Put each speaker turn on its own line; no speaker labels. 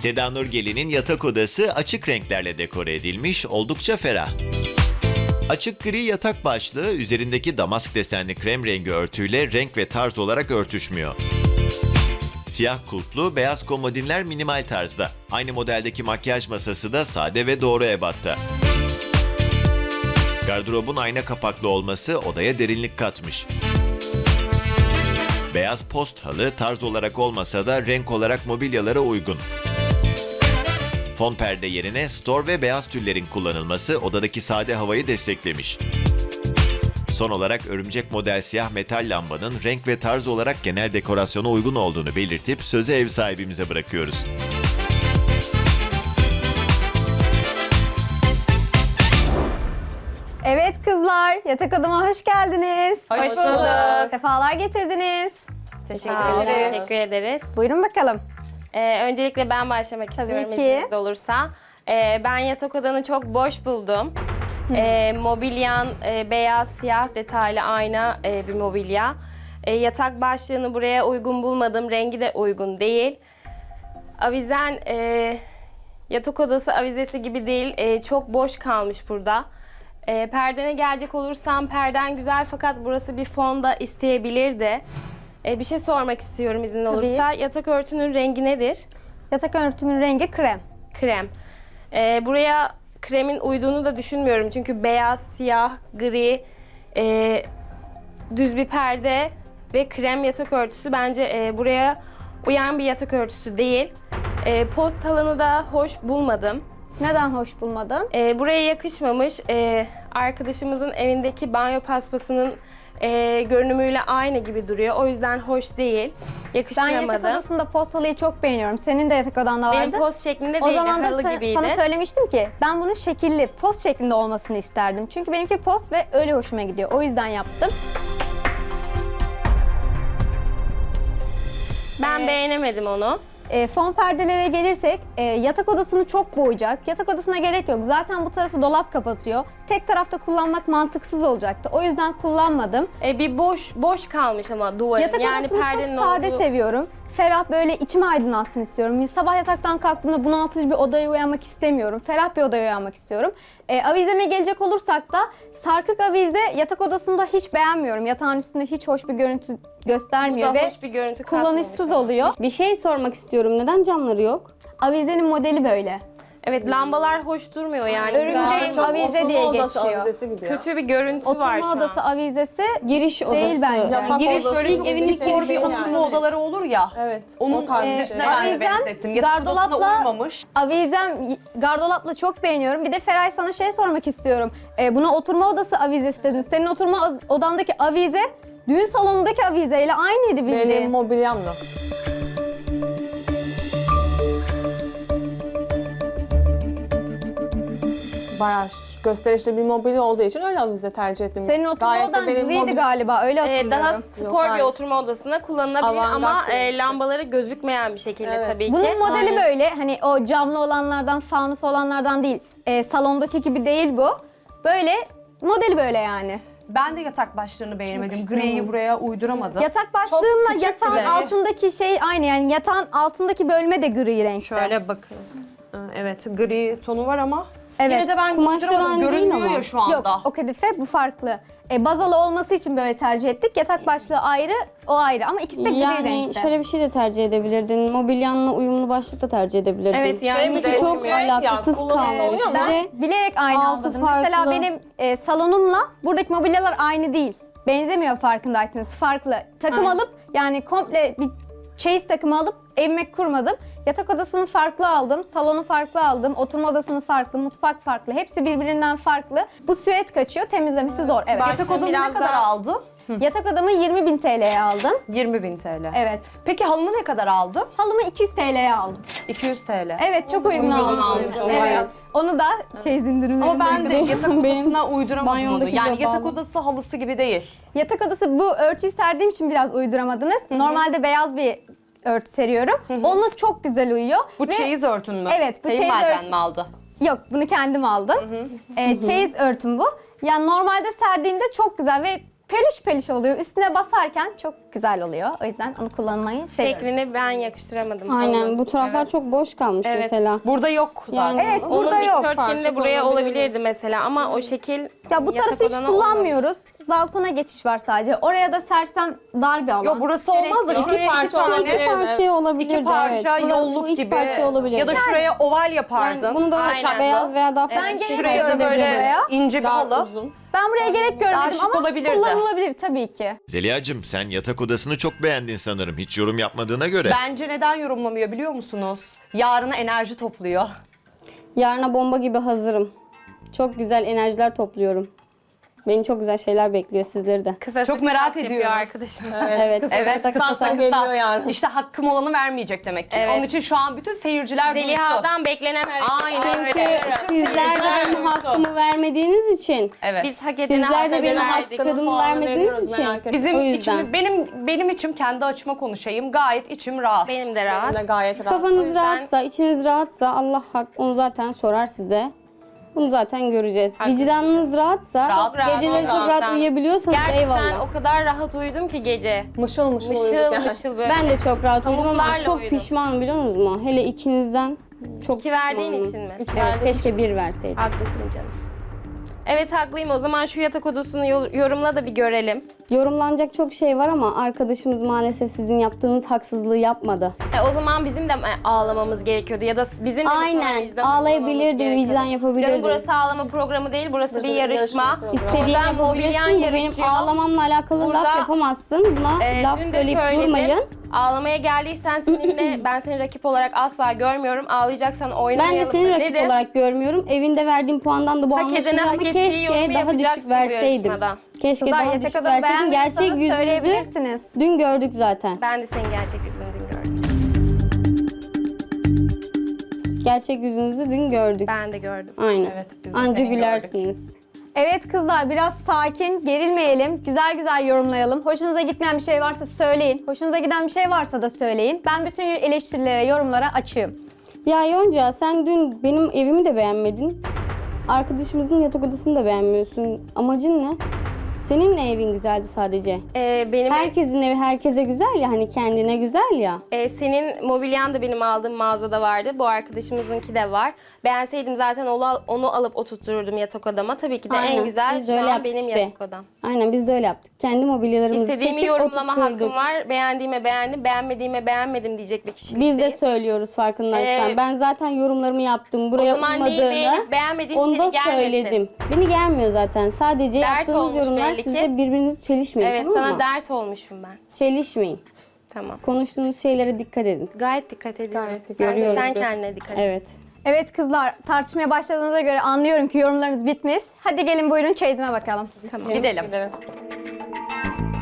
Seda Nurgel'in yatak odası açık renklerle dekore edilmiş, oldukça ferah. Açık gri yatak başlığı üzerindeki damask desenli krem rengi örtüyle renk ve tarz olarak örtüşmüyor. Siyah kulplu beyaz komodinler minimal tarzda. Aynı modeldeki makyaj masası da sade ve doğru ebatta. Gardırobun ayna kapaklı olması odaya derinlik katmış. Beyaz post halı tarz olarak olmasa da renk olarak mobilyalara uygun. Fon perde yerine stor ve beyaz tüllerin kullanılması odadaki sade havayı desteklemiş. Son olarak örümcek model siyah metal lambanın renk ve tarz olarak genel dekorasyona uygun olduğunu belirtip sözü ev sahibimize bırakıyoruz.
Evet kızlar, yatak odama hoş geldiniz.
Hoş bulduk.
Sefalar getirdiniz.
Teşekkür ederiz. Teşekkür ederiz.
Buyurun bakalım.
Öncelikle ben başlamak
Tabii
istiyorum
ki.
izniniz olursa. Ben yatak odanı çok boş buldum. Mobilyan beyaz, siyah detaylı ayna bir mobilya. Yatak başlığını buraya uygun bulmadım. Rengi de uygun değil. Avizen yatak odası avizesi gibi değil. Çok boş kalmış burada. Perdene gelecek olursam perden güzel fakat burası bir fonda isteyebilirdi. Bir şey sormak istiyorum izin olursa. Yatak örtünün rengi nedir?
Yatak örtümün rengi krem.
Krem. Buraya kremin uyduğunu da düşünmüyorum. Çünkü beyaz, siyah, gri, düz bir perde ve krem yatak örtüsü bence buraya uyan bir yatak örtüsü değil. Post alanı da hoş bulmadım.
Neden hoş bulmadın?
Buraya yakışmamış. Arkadaşımızın evindeki banyo paspasının görünümüyle aynı gibi duruyor. O yüzden hoş değil.
Ben
Yakıştıramadım.
yatak odasında post halıyı çok beğeniyorum. Senin de yatak odanda vardı.
Benim post şeklinde
O
değil,
zaman da
halı gibiydi.
sana söylemiştim ki ben bunun şekilli, post şeklinde olmasını isterdim. Çünkü benimki post ve öyle hoşuma gidiyor. O yüzden yaptım.
Ben beğenemedim onu.
Fon perdelere gelirsek yatak odasını çok boğacak. Yatak odasına gerek yok. Zaten bu tarafı dolap kapatıyor. Tek tarafta kullanmak mantıksız olacaktı. O yüzden kullanmadım.
Bir boş kalmış ama duvarın.
Yatak odasını çok
perdenin
sade
olduğu-
seviyorum. Ferah böyle içime aydınlatsın istiyorum. Sabah yataktan kalktığımda bunaltıcı bir odaya uyanmak istemiyorum. Ferah bir odaya uyanmak istiyorum. Avizeme gelecek olursak da sarkık avize yatak odasında hiç beğenmiyorum. Yatağın üstünde hiç hoş bir görüntü göstermiyor
Bu da
ve
hoş bir görüntü katmamış
kullanışsız
ama.
oluyor.
Bir şey sormak istiyorum. Neden camları yok?
Avizenin modeli böyle.
Evet, lambalar hoş durmuyor yani.
Örümcek
Güzel,
avize diye geçiyor.
kötü bir görüntü var
Oturma
şu
odası
an.
avizesi
Giriş odası.
değil bence.
Yatak
Giriş
odası
evin
evinin
spor
bir oturma odaları olur ya. Evet. Onun tarzısına ben de
avizem
benzettim. Yatak odasına
gardolapla-
uymamış.
Avizem gardolapla çok beğeniyorum. Bir de Feray sana şey sormak istiyorum. Buna oturma odası avizesi dedin. Senin oturma odandaki avize düğün salonundaki avizeyle aynıydı bildiğin.
Benim mobilyamla. Bayağı gösterişli bir mobilya olduğu için öyle avize tercih ettim.
Senin oturma
Gayet de
odan
benim
griydi galiba öyle hatırlıyorum.
Daha
Yok,
spor bir
hayır.
oturma odasına kullanılabilir
Avantgard
ama
değil.
lambaları gözükmeyen bir şekilde
Evet.
tabii ki.
Bunun modeli
Aynen.
böyle hani o camlı olanlardan, fanus olanlardan değil. Salondaki gibi değil bu. Böyle modeli böyle yani.
Ben de yatak başlığını beğenemedim. Griyi buraya uyduramadım.
Yatak başlığımla
küçük
yatağın
bile.
altındaki şey aynı yani yatağın altındaki bölme de gri renkte.
Şöyle bakın. Evet, gri tonu var ama
Evet.
yine de ben
Kumaşlar
uyduramadım.
aynı değil
Görünmüyor
ama.
ya şu anda.
Yok o kadife bu farklı. Bazalı olması için böyle tercih ettik. Yatak başlığı ayrı, o ayrı ama ikisi de gri
Yani
renkte.
şöyle bir şey de tercih edebilirdin. Mobilyanla uyumlu başlık da tercih edebilirdin.
Evet yani
Şey mi
hiç
de-
Çok
Ya,
alakasız
kullanışlı
kalmış.
oluyor mu?
Bir
Ben
de
bilerek aynı
altı
almadım. Mesela
farklı.
benim salonumla buradaki mobilyalar aynı değil. Benzemiyor farkındaysanız. Farklı. Takım alıp yani komple bir çeyiz takımı alıp evime kurmadım. Yatak odasını farklı aldım, salonu farklı aldım, oturma odasını farklı, mutfak farklı. Hepsi birbirinden farklı. Bu süet kaçıyor, temizlemesi zor. Evet.
Yatak odanı ne
biraz
kadar
daha-
aldı?
Yatak odamı 20.000 TL'ye aldım.
20.000 TL.
Evet.
Peki halını ne kadar aldı?
Halımı 200 TL'ye aldım.
200 TL.
Evet, çok uygun aldım.
almışsın,
Evet.
bayağı.
Onu da çeyiz indirimlerinde.
Ama ben de yatak
Benim
odasına uyduramadım onu.
banyomdaki
Yani
bile
yatak
bağlı.
odası halısı gibi değil.
Yatak odası bu örtüyü serdiğim için biraz uyduramadınız. Normalde beyaz bir örtü seriyorum. Onunla çok güzel uyuyor.
Bu
Ve-
çeyiz örtün mü?
Evet, bu çeyiz
Kayınvaliden
örtü.
mi aldı?
Yok, bunu kendim aldım. Çeyiz örtüm bu. Yani normalde serdiğimde çok güzel ve peluş peluş oluyor. Üstüne basarken çok güzel oluyor. O yüzden onu kullanmayı seviyorum.
Şeklini ben yakıştıramadım.
Aynen
Onun.
bu taraflar çok boş kalmış
Evet.
mesela.
Burada yok zaten.
Yani-
Evet,
Onun
burada yok.
dikdörtgeni de buraya olabilirdi mesela ama o şekil
Ya bu
yatak
tarafı hiç
odana
kullanmıyoruz. Balkona geçiş var sadece. Oraya da sersem dar bir alan.
Yok burası olmaz da
Gerek yok.
şuraya iki
parça
tane
olabilir.
İki parça olabilirdi.
iki parça
evet.
yolluk
Bu iki
gibi
parça olabilir.
ya da şuraya oval yapardın.
Bunu da
Aynen.
beyaz veya daha
Ben
farklı
gerek
bir
Şuraya
görmedim
da böyle
buraya.
ince bir
Daha
halı.
uzun.
Ben buraya gerek görmedim
şık
ama
olabilirdi.
kullanılabilir tabii ki.
Zeliha'cığım sen yatak odasını çok beğendin sanırım. Hiç yorum yapmadığına göre.
Bence neden yorumlamıyor biliyor musunuz? Yarına enerji topluyor.
Yarına bomba gibi hazırım. Çok güzel enerjiler topluyorum. Beni çok güzel şeyler bekliyor sizleri de.
Kısa
Çok
kısa
merak
yapıyor
ediyoruz.
arkadaşım.
Evet.
Evet,
Kısasa geliyor yarın.
İşte hakkım olanı vermeyecek demek ki.
Evet.
Onun için şu an bütün seyirciler duysun.
Zeliha'dan beklenen hareket.
Aynen öyle.
Sizler de benim hakkımı vermediğiniz için.
Evet.
Biz hak edene
Sizler
hak
de benim
edene verdik.
hakkımı
puanını
vermediğiniz
veriyoruz,
için.
merak etme.
Bizim
O yüzden.
içimi, benim içim kendi açıma konuşayım. Gayet içim rahat.
Benim de rahat.
Ben de gayet rahat.
O
Kafanız
yüzden-
rahatsa, içiniz rahatsa Allah hak onu zaten sorar size. Bunu zaten göreceğiz.
Haklısın.
Vicdanınız rahatsa,
Rahat, rahat,
geceleri çok
rahat.
rahat uyuyabiliyorsanız
Gerçekten
eyvallah.
o kadar rahat uyudum ki gece.
Mışıl mışıl
Mışıl
uyuduk yani.
mışıl böyle.
Ben de çok rahat uyudum ama
Pamuklarla
çok
uyudum.
pişmanım biliyor musunuz? Hele ikinizden çok
İki verdiğin
pişmanım.
için mi?
Evet, keşke bir verseydim.
Haklısın canım. Evet haklıyım. O zaman şu yatak odasını yorumla da bir görelim.
Yorumlanacak çok şey var ama arkadaşımız maalesef sizin yaptığınız haksızlığı yapmadı.
O zaman bizim de ağlamamız gerekiyordu ya da bizim de mi
Aynen,
sonra vicdan
ağlayabilirdin,
ağlamamız gerekiyordu?
vicdan yapabilirdin.
Canım burası ağlama programı değil, burası bir yarışma.
İstediğini
Buradan mobilyan
yapabilirsin de benim
yarışıyor.
ağlamamla alakalı
Burada,
laf yapamazsın. Buna laf
Dün de
söyleyip
söyledim.
durmayın.
Ağlamaya geldiysen seninle ben seni rakip olarak asla görmüyorum. Ağlayacaksan
Ben
oynamayalım
de seni
da
rakip
dedim.
olarak görmüyorum. Evinde verdiğim puandan da bu
Hak
anlaşılıyor
edene
ama
hak ettiği yorumu
keşke daha
yapacaksın
düşük
bu
verseydim.
yarışmada.
Keşke
Kızlar
daha
yatak
düşük
odamı
verseydim. Gerçek
beğenmiyorsanız
yüzünüzü
söyleyebilirsiniz.
dün gördük zaten.
Ben de senin gerçek yüzünü dün gördüm.
Gerçek yüzünüzü dün gördük.
Ben de gördüm.
Aynen.
Evet, biz de
Anca
seni
gülersiniz.
Evet kızlar biraz sakin, gerilmeyelim. Güzel güzel yorumlayalım. Hoşunuza gitmeyen bir şey varsa söyleyin. Hoşunuza giden bir şey varsa da söyleyin. Ben bütün eleştirilere, yorumlara açığım.
Ya Yonca sen dün benim evimi de beğenmedin. Arkadaşımızın yatak odasını da beğenmiyorsun. Amacın ne? Senin de evin güzeldi sadece.
Benim
Herkesin evi herkese güzel ya, hani kendine güzel ya.
senin mobilyan da benim aldığım mağazada vardı. Bu arkadaşımızınki de var. Beğenseydim zaten onu alıp oturttururdum yatak odama. Tabii ki de
Aynen,
en güzel
biz de
şu
öyle
an
yaptık
benim
işte.
yatak odam.
Aynen biz de öyle yaptık. Kendi mobilyalarımızı
İstediğimi
seçip
yorumlama
oturtturduk.
hakkım var. Beğendiğime beğendim, beğenmediğime beğenmedim diyecek bir kişi.
Biz de söylüyoruz farkındaysan. Ben zaten yorumlarımı yaptım. Buraya
o zaman neyi
uymadığını
beğenip beğenmediğin
onu da
seni gelmesin.
söyledim. Beni gelmiyor zaten. Sadece
Dert
yaptığınız
olmuş
yorumlar
belli ki.
sizde birbirinizi çelişmeyin,
Evet
tamam
sana
mı?
dert olmuşum ben.
Çelişmeyin.
Tamam.
Konuştuğunuz şeylere dikkat edin.
Gayet dikkat ediyorum.
Gayet dikkat
Bence
ediyoruz
sen
biz.
kendine dikkat et.
Evet.
Evet kızlar, tartışmaya başladığınıza göre anlıyorum ki yorumlarınız bitmiş. Hadi gelin buyurun çeyizime bakalım.
Tamam.
Gidelim.
Gidelim.